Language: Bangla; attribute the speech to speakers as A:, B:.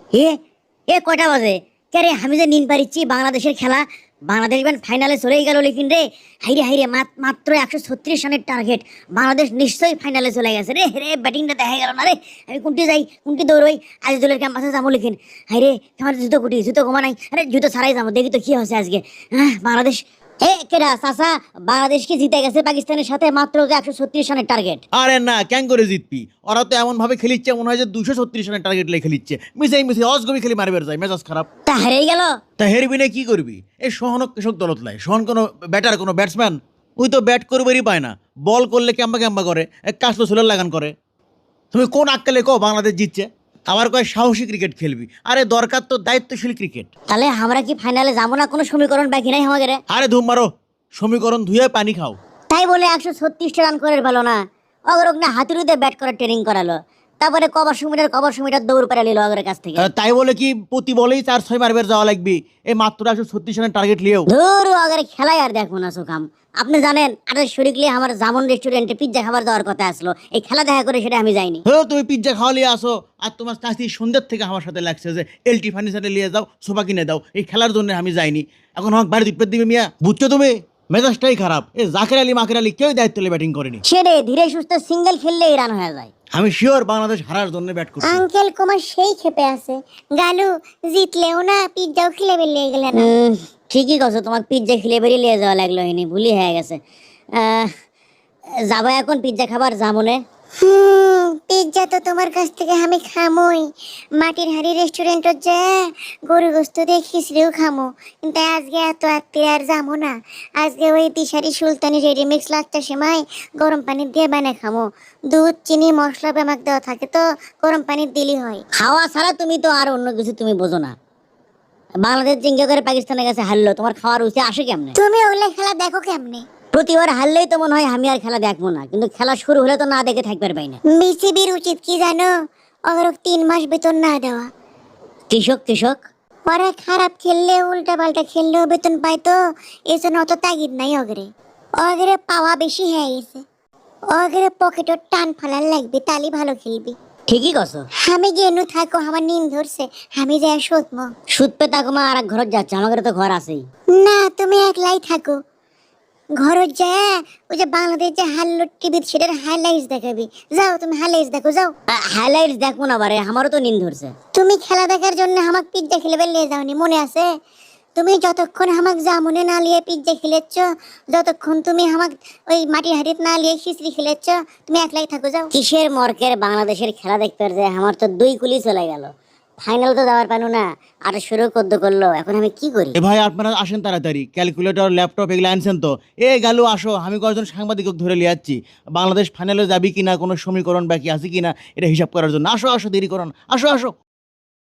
A: এ এ কয়টা বাজে? কে রে, আমি যে নিন পারিচ্ছি বাংলাদেশের খেলা, বাংলাদেশ ব্যান ফাইনালে চলেই গেল, লেকিন রে হাইরে হাইরে মাত্র 136 রানের টার্গেট। বাংলাদেশ নিশ্চয়ই ফাইনালে চলে গেছে রে। রে ব্যাটিংটা দেখা গেল না রে। আমি কোনটি যাই কোনটি দৌড়ই, আজিজুলের ক্যাম্পাসে যাবো লেকিন। হাইরে আমার জুতো কুটি, জুতো কমা নাই। আরে জুতো ছাড়াই যাবো, দেখি তো কি হচ্ছে আজকে। বাংলাদেশ কেডা চাচা, বাংলাদেশ কি জিতে গেছে পাকিস্তানের সাথে? মাত্র 136 রানের টার্গেট।
B: আরে না, কেন করে জিতবি? ওরা তো এমন ভাবে খেলিচ্ছে মনে হয় যে 236 রানের টার্গেট লেগে খেলিচ্ছে। মিশে অজগবি খেলি মারবে যায়, মেজাজ খারাপ।
A: তা হেরেই গেল।
B: তা হেরবি না কি করবি? এই সোহানক কৃষক দলত লাই, সোহান কোনো ব্যাটার কোনো ব্যাটসম্যান? ওই তো ব্যাট করবারই পায় না, বল করলে ক্যাম্বা ক্যাম্বা করে, এক কাজ তো সোলার লাগান করে। তুমি কোন আক্কেলে কো বাংলাদেশ জিতছে? আবার কয় সাহসী ক্রিকেট খেলবি। আরে দরকার তো দায়িত্বশীল ক্রিকেট।
A: তাহলে আমরা কি ফাইনালে যাবো না? কোনো সমীকরণ বাকি নাই আমাদের।
B: আরে ধুম মারো, সমীকরণ ধুয়ে পানি খাও।
A: তাই বলে 136 রান করে ভালো না? অগরক না হাতুড়িতে ব্যাট করার ট্রেনিং করালো, তারপরে কবার সুমিটার দৌড় পেরে নিল অগরের কাছ থেকে।
B: তাই বলে কি প্রতি বলেই 4-6 মারবে যাওয়া লাগবে? এই মাত্র 136 রানের টার্গেট লিয়েও
A: ধুর অগরে খেলাই আর দেখবো না সুখাম। আপনি জানেন আরে শরীরলে আমার জামন রেস্টুরেন্টে পিজ্জা খাবার যাওয়ার কথা আসলো, এই খেলা দেখা করে সেটা আমি যাইনি।
B: তুমি পিজ্জা খাওয়া লিয়ে আসো, আর তোমার চাষি সন্ধ্যের থেকে আমার সাথে লাগছে যে এলটি ফার্নিচারে নিয়ে যাও, সোফা কিনে দাও। এই খেলার জন্য আমি যাইনি, এখন আমাকে বাড়ি দিতে দিবে মিয়া, বুঝছো তুমি? মেজাজটাই খারাপ। এই জাকের আলী মাকের আলী কেউ দায়িত্ব নিয়ে ব্যাটিং করেনি।
A: সেরে ধীরে সুস্থ সিঙ্গেল খেললেই রান হয়ে যায়।
B: আমি শিওর বাংলাদেশ হারার জন্য ব্যাট করছে।
C: আঙ্কেল কুমার সেই ক্ষেপে আছে, গালু জিতলেও না পিজ্জাও খেলে বেরিয়ে গেলে না।
A: ঠিকই কছো, তোমার পিজ্জা খেলে বেরিয়ে নিয়ে যাওয়া লাগলো, হয়নি ভুলি হয়ে গেছে। যাবো এখন পিজ্জা খাবার জামনে।
C: পিজ্জা তো তোমার কাছ থেকে আমি খামোই, মাটির হাড়ি রেস্টুরেন্টত যে গরু গোস্ত দিয়ে খিচড়িও খামো, কিন্তু আজকে এত আত্মীয় আর যাবো না। আজকে ওই দিশারি সুলতানি রেডিমিক্স লাচ্চা সেমাই গরম পানি দিয়ে বানিয়ে খামো। দুধ চিনি মশলা বেমাক দেওয়া থাকে তো গরম পানি দিলি হয়।
A: খাওয়া ছাড়া তুমি তো আর অন্য কিছু তুমি বোঝো না। বাংলাদেশ জিঙ্গা করে পাকিস্তানের কাছে হারলো, তোমার খাওয়ার রুচি আসে কেমনে?
C: তুমি ওগুলো খেলা দেখো কেমনে?
A: প্রতিবার হারলেই তো মনে হয় আমি আর খেলা দেখবো না, কিন্তু খেলা শুরু হলে তো না দেখে থাকতে পারবাই না।
C: বিসিবির উচিত কি জানো? ওদের 3 মাস বেতন না দেওয়া।
A: কৃষক কৃষক
C: ওরা খারাপ খেললে উল্টা পাল্টা খেললেও বেতন পায় তো, এই জন্য অত তাগিদ নাই অগরে। অগরে পাওয়া বেশি হয়ে গেছে, অগরে পকেটও টান ফালার লাগবে, তালি ভালো খেলবি।
A: ঠিকই কছো।
C: আমি গেনু থাকো, আমার নিন ধরছে, আমি যাই শোধমো।
A: সুদ পে তাকো মা আর এক ঘর যাচ্ছে, আমাদের তো ঘর আছেই।
C: না তুমি একলাই থাকো, ঘরত যায় ওই যে বাংলাদেশ যে হারলো টিভির সেটার হাইলাইটস দেখাবি। যাও তুমি হাইলাইটস দেখো যাও।
A: হাইলাইটস দেখবো না বারে, আমারও তো নিন ধরছে।
C: তুমি খেলা দেখার জন্য আমাকে পিজ্জা খেলে বেরিয়ে যাওনি, মনে আছে? তুমি যতক্ষণ আমাকে জামুনে না লিয়ে পিজ্জা খেলেছ, যতক্ষণ তুমি আমাকে ওই মাটির হাড়িতে না লিয়ে খিচড়ি খেলেছ, তুমি একলাই থাকো যাও।
A: কিসের মর্কের বাংলাদেশের খেলা দেখতে যে আমার তো 2 কুলি চলে গেল, ফাইনাল তো যাওয়ার পানু না, আর শুরু করতে করলো, এখন আমি কি করি?
B: এ ভাই আপনারা আসেন তাড়াতাড়ি, ক্যালকুলেটর ল্যাপটপ এগুলো আনছেন তো? এ গেল আসো, আমি কয়েকজন সাংবাদিক ধরে নিয়ে যাচ্ছি। বাংলাদেশ ফাইনালে যাবি কিনা, কোনো সমীকরণ বাকি আছে কিনা এটা হিসাব করার জন্য। আসো আসো, দেরি করুন, আসো আসো।